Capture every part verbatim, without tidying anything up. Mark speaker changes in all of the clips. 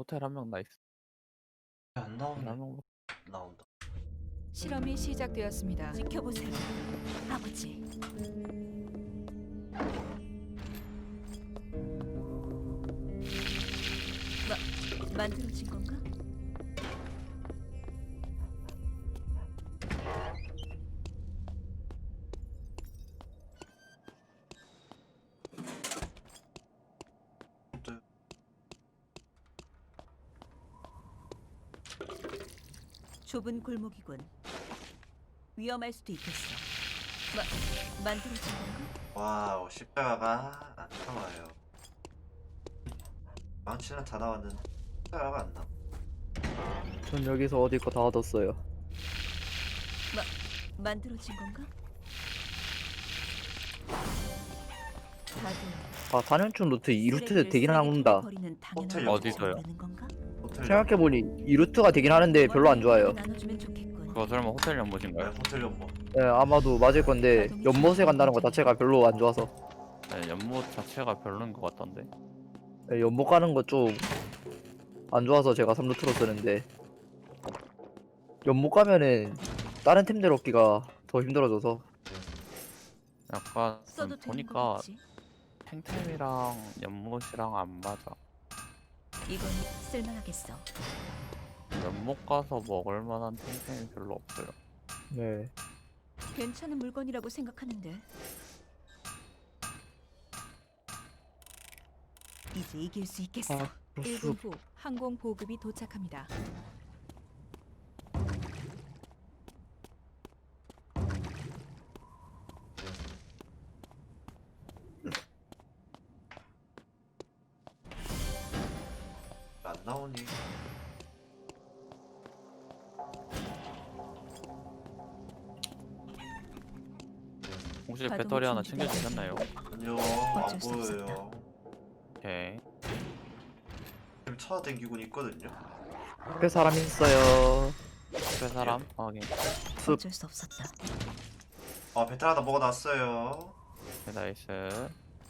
Speaker 1: 호텔 한 명 나이스.
Speaker 2: 안
Speaker 1: 한
Speaker 2: 나오네.
Speaker 1: 명.
Speaker 2: 나온다.
Speaker 3: 실험이 시작되었습니다.
Speaker 4: 지켜보세요, 아버지. 마, 만들어진 건가?
Speaker 2: 또
Speaker 4: 좁은 골목이군. 위험할 수도 있겠어. 마, 만들어진 건가?
Speaker 2: 와우, 십자가가 안 나와요. 망치는 다 나왔는데 십자가가 안 나와.
Speaker 5: 전 여기서 어디 거 다 얻었어요.
Speaker 4: 만들어진 건가? 다들
Speaker 5: 아, 사 년충 노트 이 루트
Speaker 4: 쓰레기를
Speaker 5: 되긴
Speaker 4: 쓰레기통에
Speaker 5: 한다.
Speaker 4: 버리는 당연한
Speaker 2: 호텔
Speaker 4: 것이
Speaker 1: 어디서요?
Speaker 4: 되는 건가?
Speaker 2: 호텔
Speaker 5: 생각해보니 이 루트가 되긴 하는데 별로 안 좋아요.
Speaker 4: 나눠주면 좋겠군.
Speaker 1: 그거 설마 호텔
Speaker 2: 네,
Speaker 1: 연못인가요?
Speaker 2: 호텔 연못.
Speaker 5: 네, 아마도 맞을 건데 연못에 간다는 것 자체가 별로 안 좋아서.
Speaker 1: 네, 연못 자체가 별로인 것 같던데.
Speaker 5: 네, 연못 가는 거 좀 안 좋아서 제가 삼 루트로 쓰는데 연못 가면은 다른 템들 얻기가 더 힘들어져서.
Speaker 1: 약간
Speaker 4: 써도 되는
Speaker 1: 보니까
Speaker 4: 거겠지?
Speaker 1: 탱템이랑 연못이랑 안 맞아.
Speaker 4: 이건 쓸만하겠어.
Speaker 1: 연못 가서 먹을 만한 탱템이 별로 없어요.
Speaker 5: 네.
Speaker 4: 괜찮은 물건이라고 생각하는데. 이제 이길 수 있겠어.
Speaker 5: 아,
Speaker 3: 일 분
Speaker 5: 수
Speaker 3: 후 항공 보급이 도착합니다.
Speaker 2: 안 나오니.
Speaker 1: 혹시
Speaker 4: 가동이
Speaker 1: 배터리 하나
Speaker 4: 중지되고
Speaker 1: 챙겨주셨나요?
Speaker 2: 아니요, 안
Speaker 4: 어쩔 수
Speaker 2: 보여요.
Speaker 1: 오케이.
Speaker 2: 지금 찾아다니고 있거든요.
Speaker 5: 옆에 사람 있어요.
Speaker 1: 그 사람? 확인.
Speaker 5: 숲.
Speaker 4: 어쩔 수 없었다.
Speaker 2: 아, 배탈 하나 먹어놨어요.
Speaker 1: 네, 나이스.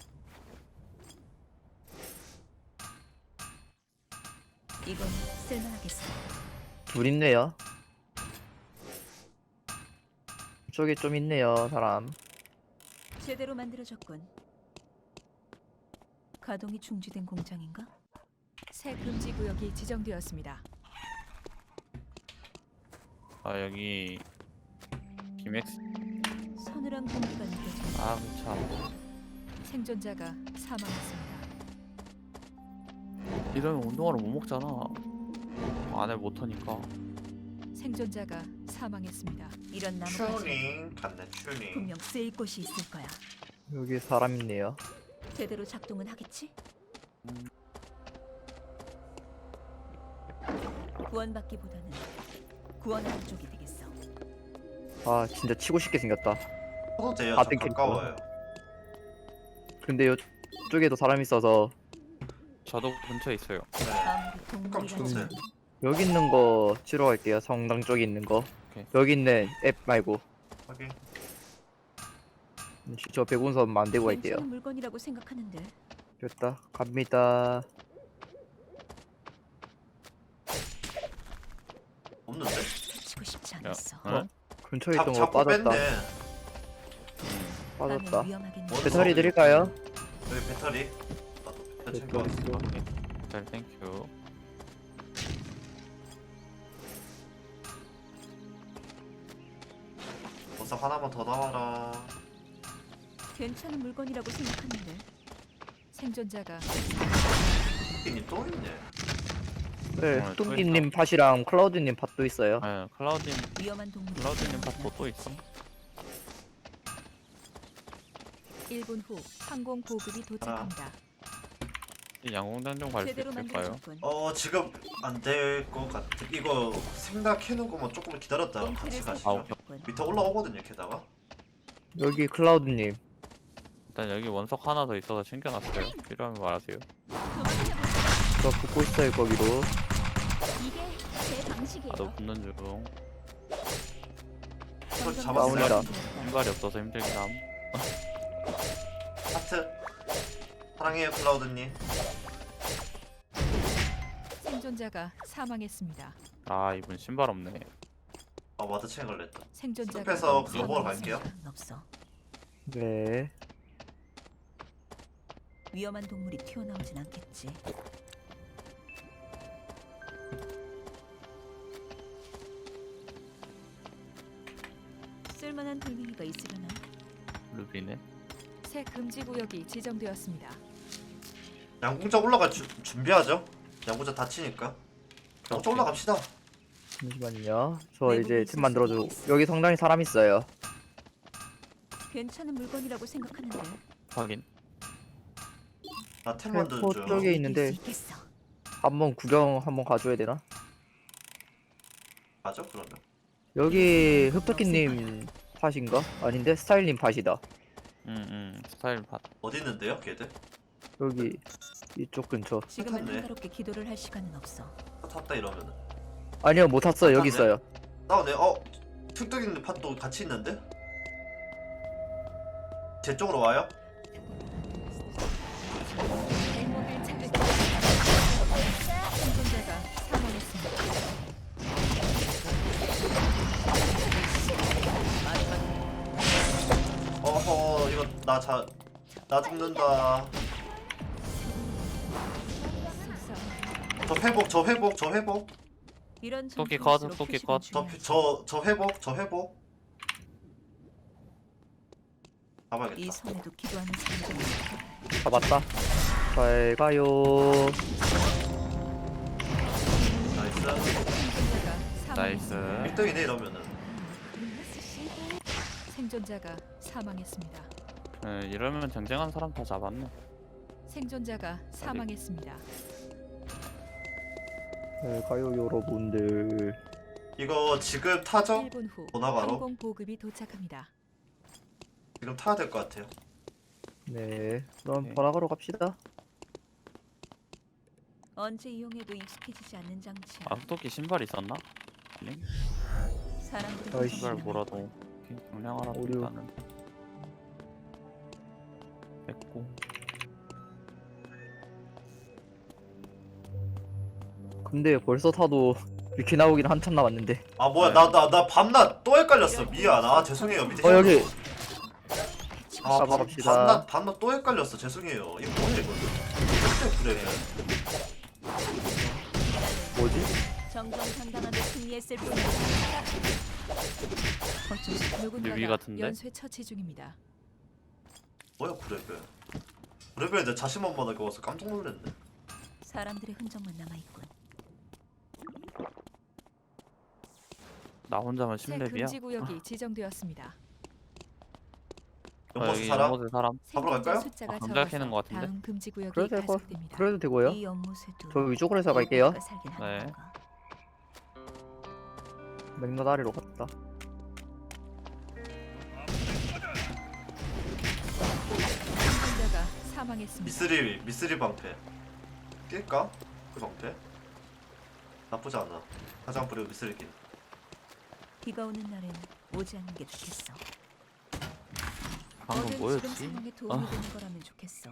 Speaker 4: 이건 쓸만하겠어.
Speaker 5: 둘 있네요. 저기 좀 있네요, 사람.
Speaker 4: 제대로 만들어졌군. 가동이 중지된 공장인가?
Speaker 3: 새 금지 구역이 지정되었습니다.
Speaker 1: 아 여기 김엑스.
Speaker 4: 서늘한 공기가 느껴진다.
Speaker 1: 아 참.
Speaker 3: 생존자가 사망했습니다.
Speaker 1: 이러면 운동화를 못 먹잖아. 안에 못하니까.
Speaker 3: 생존자가 사망했습니다.
Speaker 4: 이런 나무까지
Speaker 2: 튜닝 갔네, 튜닝.
Speaker 4: 분명 쓰일 곳이 있을 거야.
Speaker 5: 여기 사람 있네요.
Speaker 4: 제대로 작동은 하겠지?
Speaker 1: 음.
Speaker 4: 구원받기보다는 구원하는 쪽이 되겠어.
Speaker 5: 아, 진짜 치고 싶게 생겼다.
Speaker 2: 저도 돼요.
Speaker 5: 아,
Speaker 2: 저
Speaker 5: 땡큐.
Speaker 2: 가까워요.
Speaker 5: 근데 이쪽에도 사람 있어서
Speaker 1: 저도 근처에 있어요.
Speaker 2: 네.
Speaker 4: 아무리
Speaker 2: 그럼
Speaker 4: 동물이라
Speaker 2: 주세요.
Speaker 4: 해도
Speaker 5: 여기 있는 거 치러 갈게요. 성당 쪽에 있는 거.
Speaker 1: 오케이.
Speaker 5: 여기 있는 앱 말고.
Speaker 2: 확인.
Speaker 5: 저 백운선 만들고 갈게요.
Speaker 4: 괜찮은 물건이라고 생각하는데.
Speaker 5: 됐다. 갑니다.
Speaker 2: 없는데?
Speaker 4: 치고 싶지
Speaker 1: 야,
Speaker 4: 않았어.
Speaker 1: 응?
Speaker 5: 근처에
Speaker 2: 잡,
Speaker 5: 있던 거
Speaker 2: 잡고
Speaker 5: 빠졌다.
Speaker 2: 뺐네.
Speaker 1: 음.
Speaker 5: 빠졌다.
Speaker 4: 나는 위험하겠네.
Speaker 2: 뭐?
Speaker 5: 배터리 드릴까요?
Speaker 2: 여기 배터리. 나도 배터리 챙겨.
Speaker 5: 배터리.
Speaker 1: 오케이. 잘 땡큐.
Speaker 2: 버섯 하나만 더 나와라.
Speaker 4: 괜찮은 물건이라고 생각하는데.
Speaker 3: 생존자가
Speaker 2: 님 또 있네.
Speaker 5: 네,
Speaker 1: 어, 또
Speaker 5: 뚱기님 팟이랑 클라우드님 팟도 있어요.
Speaker 1: 네, 클라우딘
Speaker 4: 위험한 동물.
Speaker 1: 클라우드님 팟도 또 있어.
Speaker 3: 일 분 후 항공 보급이 도착합니다.
Speaker 1: 이 양궁장 좀 갈 수
Speaker 4: 제대로
Speaker 1: 있을까요?
Speaker 4: 만들어졌군.
Speaker 2: 어, 지금 안 될 것 같아. 이거 생각해놓은 거만 조금 기다렸다가 같이
Speaker 4: 꽁트를
Speaker 2: 가시죠.
Speaker 1: 아, 오케이.
Speaker 4: 살펴봤군.
Speaker 2: 밑에 올라오거든요, 게다가.
Speaker 5: 여기 클라우드님.
Speaker 1: 일단 여기 원석 하나 더 있어서 챙겨놨어요. 필요하면 말하세요.
Speaker 5: 저 붙고 있어요, 거기로.
Speaker 4: 이게 제 방식이에요.
Speaker 1: 나도 붙는 중.
Speaker 2: 소리
Speaker 5: 나옵니다.
Speaker 2: 잡았어요.
Speaker 1: 신발이 없어서 힘들긴 함.
Speaker 2: 하트. 사랑해요, 클라우드님.
Speaker 3: 생존자가 사망했습니다.
Speaker 1: 아 이분 신발 없네.
Speaker 2: 아 와드 체인 걸렸다.
Speaker 3: 생존자가
Speaker 2: 숲에서 그거 먹으러
Speaker 3: 사망했습니다.
Speaker 2: 갈게요.
Speaker 4: 없어.
Speaker 5: 네.
Speaker 4: 위험한 동물이 튀어나오진 않겠지. 쓸만한 돌멩이가 있으려나?
Speaker 1: 루비네.
Speaker 3: 새 금지 구역이 지정되었습니다.
Speaker 2: 양궁자 올라갈 주, 준비하죠. 양궁자 다치니까. 양궁자
Speaker 1: 오케이.
Speaker 2: 올라갑시다.
Speaker 5: 잠시만요. 저
Speaker 4: 외국에
Speaker 5: 이제
Speaker 4: 있을
Speaker 5: 팀 만들어줘.
Speaker 4: 수도 있겠어.
Speaker 5: 여기 성당에 사람 있어요.
Speaker 4: 괜찮은 물건이라고 생각하는데
Speaker 1: 확인.
Speaker 2: 나 템 만드는
Speaker 5: 템포
Speaker 2: 중.
Speaker 5: 쪽에
Speaker 4: 이길
Speaker 5: 있는데
Speaker 4: 수 있겠어.
Speaker 5: 한번 구경 한번 가줘야 되나?
Speaker 2: 맞아 그러면.
Speaker 5: 여기 흡터키님 팟인가? 아닌데 스타일님 팟이다.
Speaker 1: 응응. 스타일 팟.
Speaker 2: 어디 있는데요, 걔들?
Speaker 5: 여기 이쪽 근처.
Speaker 4: 지금은
Speaker 2: 탔네.
Speaker 4: 한가롭게 기도를 할 시간은 없어.
Speaker 2: 다 탔다 이러면은.
Speaker 5: 아니요 못 탔어요. 여기
Speaker 2: 탔네.
Speaker 5: 있어요.
Speaker 2: 나오네. 어, 툭뚝 있는 팟도 같이 있는데? 제 쪽으로 와요?
Speaker 3: 백목을 찾을 때 생존자가 사망했습니다.
Speaker 2: 어허, 이거 나 자, 나 죽는다.
Speaker 3: 속상.
Speaker 2: 저 회복, 저 회복, 저 회복.
Speaker 4: 이런
Speaker 1: 토끼
Speaker 4: 전투일수록
Speaker 1: 컷, 토끼
Speaker 4: 표식은
Speaker 1: 컷.
Speaker 2: 저,
Speaker 4: 중요하지.
Speaker 2: 저, 저 회복, 저 회복.
Speaker 4: 이
Speaker 2: 잡아야겠다.
Speaker 4: 섬에도 기도하는 사람들이 있어.
Speaker 5: 잡았다. 잘 가요.
Speaker 2: 나이스.
Speaker 3: 생존자가
Speaker 1: 나이스.
Speaker 3: 사망했습니다.
Speaker 2: 일 등이네 이러면은.
Speaker 3: 생존자가 사망했습니다.
Speaker 1: 에, 이러면 쟁쟁한 사람 다 잡았네.
Speaker 3: 생존자가 사망했습니다.
Speaker 5: 잘 가요 여러분들.
Speaker 2: 이거 지금 타죠?
Speaker 3: 일 분 후
Speaker 2: 번화가로?
Speaker 3: 항공 보급이 도착합니다.
Speaker 2: 지금 타야 될 것 같아요.
Speaker 5: 네. 그럼
Speaker 1: 오케이.
Speaker 5: 번화가로 갑시다.
Speaker 4: 언제 이용해도 익숙해지지 않는 장치야.
Speaker 1: 아 토끼 신발 있었나? 아니?
Speaker 4: 사람들이
Speaker 5: 아이씨.
Speaker 1: 신발 뭐라도 경량하라고
Speaker 5: 오류.
Speaker 1: 일단은 뺐고.
Speaker 5: 근데 벌써 타도 이렇게 나오긴 한참 남았는데.
Speaker 2: 아 뭐야
Speaker 1: 네.
Speaker 2: 나 나 나 밤낮 또 헷갈렸어. 미안. 아 죄송해요. 밑에
Speaker 5: 어 여기
Speaker 2: 아 밤-
Speaker 5: 잡아갑시다.
Speaker 2: 밤낮 밤낮 또 헷갈렸어. 죄송해요. 이거 뭐야 이거? 절대 그래.
Speaker 5: 뭐지?
Speaker 4: 정정당당하게 승리했을 뿐이야. 어쩔 수 없어.
Speaker 1: 유비
Speaker 3: 누군가가
Speaker 1: 같은데?
Speaker 3: 연쇄 처치 중입니다.
Speaker 2: 뭐야 그래배. 그래배 내 자신만만하게 와서 깜짝 놀랐네.
Speaker 4: 사람들의 흔적만 남아있군.
Speaker 1: 나 혼자만
Speaker 3: 새
Speaker 1: 십렙이야.
Speaker 3: 금지 구역이 지정되었습니다.
Speaker 1: 아,
Speaker 2: 연못에
Speaker 1: 여기
Speaker 2: 살아?
Speaker 1: 연못에 사람.
Speaker 2: 잡으러
Speaker 3: 생존자
Speaker 2: 갈까요?
Speaker 3: 숫자가
Speaker 1: 아, 감자
Speaker 3: 적어서
Speaker 1: 캐는 것 같은데?
Speaker 3: 다음 금지 구역이
Speaker 5: 그래도 되고
Speaker 3: 가속됩니다.
Speaker 5: 그래도 되고요.
Speaker 4: 이 연못에도
Speaker 5: 저 위쪽으로 해서 갈게요.
Speaker 4: 인류가 살긴 하는
Speaker 1: 네.
Speaker 4: 건가?
Speaker 5: 맥락 아래로 갔다.
Speaker 3: 생존자가 사망했습니다.
Speaker 2: 미쓰리 미쓰리 방패. 낄까? 그 방패? 나쁘지 않아. 화장 뿌리고 미쓰리 낀.
Speaker 4: 비가 오는 날엔 오지 않는 게 좋겠어.
Speaker 1: 방금
Speaker 4: 뭐든
Speaker 1: 뭐였지?
Speaker 4: 지금 상황에 도움이
Speaker 1: 아.
Speaker 4: 되는 거라면 좋겠어.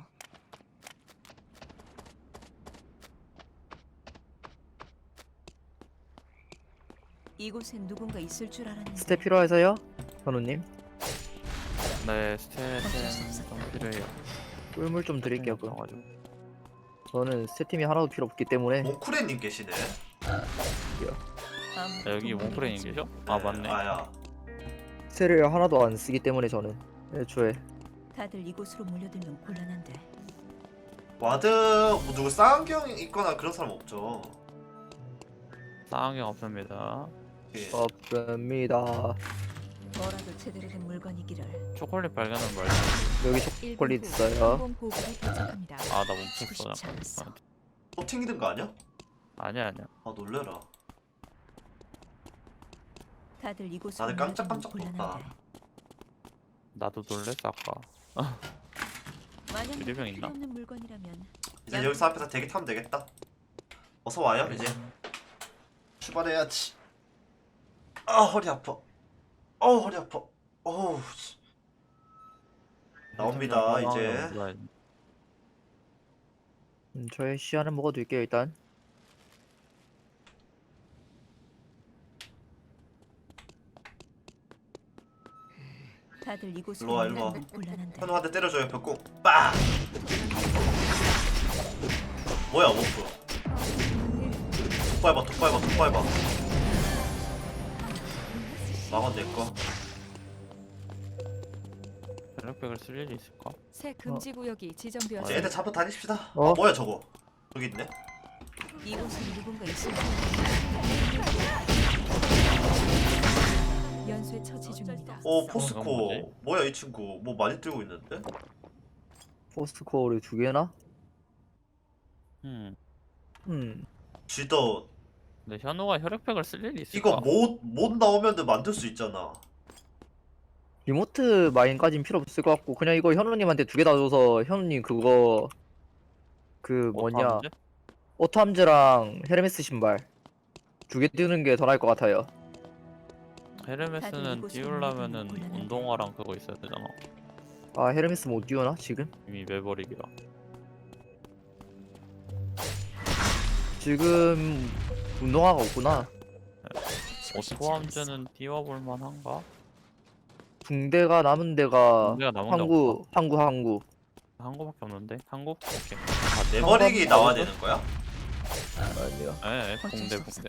Speaker 4: 이곳엔 누군가 있을 줄 알았는데.
Speaker 5: 스텝 필요해서요? 현우님?
Speaker 1: 네
Speaker 4: 어쩔 수
Speaker 1: 스탯은
Speaker 4: 없었다.
Speaker 1: 좀 필요해요.
Speaker 5: 꿀물 좀 드릴게요. 그럼.
Speaker 1: 가지고.
Speaker 5: 저는 스태팀이 하나도 필요 없기 때문에
Speaker 2: 몽쿠레님 계시네.
Speaker 1: 아, 여기 몽프레인 계셔? 아 맞네.
Speaker 2: 아야.
Speaker 5: 스를 하나도 안 쓰기 때문에 저는 애초에
Speaker 4: 다들 이곳으로 몰려들면 곤란한데.
Speaker 2: 와드 뭐 누구 쌍안경 있거나 그런 사람 없죠.
Speaker 1: 쌍안경 없습니다.
Speaker 2: 예.
Speaker 5: 없습니다.
Speaker 4: 뭐라도 제대로 된 물건이기를.
Speaker 1: 초콜릿 발견한 걸.
Speaker 5: 여기
Speaker 3: 일 분
Speaker 5: 초콜릿
Speaker 3: 후
Speaker 5: 있어요.
Speaker 3: 항공 보급이 도착합니다.
Speaker 1: 아나
Speaker 4: 치고
Speaker 1: 멈췄어.
Speaker 4: 싶지 않았어.
Speaker 2: 또 튕기는 거 아니야?
Speaker 1: 아니야 아니야.
Speaker 2: 아 놀래라.
Speaker 4: 다들 이곳으로
Speaker 2: 나는 깜짝깜짝
Speaker 4: 몰려들면
Speaker 2: 놀랐다.
Speaker 4: 곤란한데.
Speaker 1: 나도 놀랬어 아까.
Speaker 4: 만약
Speaker 1: 유리병
Speaker 4: 필요
Speaker 1: 있나?
Speaker 4: 없는 물건이라면
Speaker 2: 이제 여기서 앞에서 대기 타면 되겠다. 어서 와요 이제. 출발해야지. 아 허리 아파. 어우 허리 아파. 어우. 씨. 나옵니다 이제.
Speaker 5: 음, 저의 시야는 먹어둘게요 일단.
Speaker 4: 다들 이곳으로
Speaker 2: 일로와, 일로와.
Speaker 4: 오면 곤란한데.
Speaker 2: 현우 한 대 때려줘요 벽공. 빠. 뭐야 워프. 독발봐 독발봐 독발봐. 망원 내꺼.
Speaker 1: 혈액백을 쓸 일이 있을까?
Speaker 3: 새 금지 구역이
Speaker 2: 이제
Speaker 3: 지정되었습니다.
Speaker 2: 애들 잡아 다닙시다.
Speaker 5: 어?
Speaker 2: 아 뭐야 저거. 저기 있네.
Speaker 4: 이곳에 누군가 있을
Speaker 3: 연쇄 처치 중입니다.
Speaker 2: 오
Speaker 1: 이건
Speaker 2: 포스코.
Speaker 1: 뭐지?
Speaker 2: 뭐야 이 친구. 뭐 많이 들고 있는데?
Speaker 5: 포스코어를 두 개나?
Speaker 1: 음.
Speaker 5: 음.
Speaker 2: 쥐더
Speaker 1: 근데 현우가 혈액백을 쓸 일이 있을까?
Speaker 2: 이거 못 못 나오면은 만들 수 있잖아.
Speaker 5: 리모트 마인까진 필요 없을 것 같고 그냥 이거 현우님한테 두 개 다 줘서 현우님 그거 그 뭐냐
Speaker 1: 어떡하는데?
Speaker 5: 오탐즈랑 헤르메스 신발 두 개 띄우는 게 더 나을 것 같아요.
Speaker 4: 다들
Speaker 1: 헤르메스는
Speaker 4: 이곳으로
Speaker 1: 띄우려면은
Speaker 4: 오면 곤란한데.
Speaker 1: 운동화랑 그거 있어야 되잖아.
Speaker 5: 아 헤르메스 못 띄우나 지금?
Speaker 1: 이미 매버릭이라.
Speaker 5: 지금 운동화가 없구나.
Speaker 1: 오토함즈는 띄워볼 만한가?
Speaker 5: 붕대가 남은 데가
Speaker 1: 붕대가 남은 데
Speaker 5: 항구 항구 항구.
Speaker 1: 한국밖에 없는데? 한국? 오케이. 아,
Speaker 2: 내버리기
Speaker 5: 한번
Speaker 2: 나와야
Speaker 5: 나와서?
Speaker 2: 되는 거야?
Speaker 5: 아니요.
Speaker 1: 예, 붕대 붕대.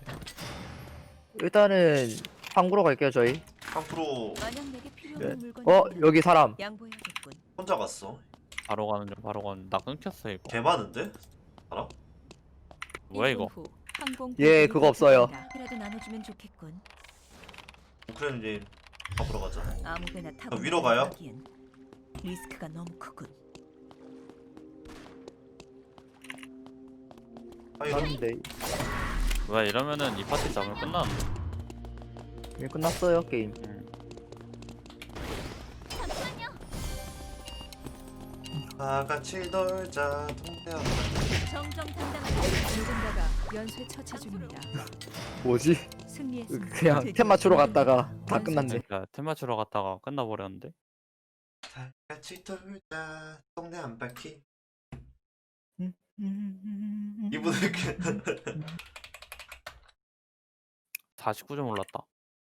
Speaker 5: 일단은 항구로 갈게요 저희.
Speaker 2: 앞으로
Speaker 4: 만약 내게 필요한
Speaker 5: 네.
Speaker 4: 물건이
Speaker 5: 어
Speaker 4: 있다면
Speaker 5: 여기 사람.
Speaker 4: 양보해야겠군.
Speaker 2: 혼자 갔어.
Speaker 1: 바로 가는 중 바로 가는. 나 끊겼어 이거.
Speaker 2: 개 많은데? 알아?
Speaker 1: 뭐야 이거?
Speaker 3: 일 분 후 항공
Speaker 5: 예,
Speaker 3: 보급이
Speaker 5: 그거 없어요.
Speaker 3: 도착합니다.
Speaker 4: 이라도 나눠주면 좋겠군.
Speaker 2: 우크라이나님 잡으러 가자.
Speaker 4: 아무데나 타고
Speaker 2: 위로 가요?
Speaker 4: 나가기엔 리스크가 너무 크군.
Speaker 2: 아이고
Speaker 5: 사는데
Speaker 1: 왜 이러면은 이 파티 잡으면 끝나는데?
Speaker 5: 이미 끝났어요 게임.
Speaker 1: 음.
Speaker 2: 다 같이 놀자 동네 한바.
Speaker 4: 정정당당하게
Speaker 3: 누군가가 연쇄 처치 중입니다.
Speaker 5: 뭐지?
Speaker 3: 승리했습니다.
Speaker 5: 그냥 템 맞추러 갔다가 다 끝났네.
Speaker 1: 그러니까 템 맞추러 갔다가 끝나버렸는데?
Speaker 2: 다 같이 놀자 동네 한 바퀴.
Speaker 5: 음.
Speaker 2: 이분은 그
Speaker 1: 사십구 점 올랐다.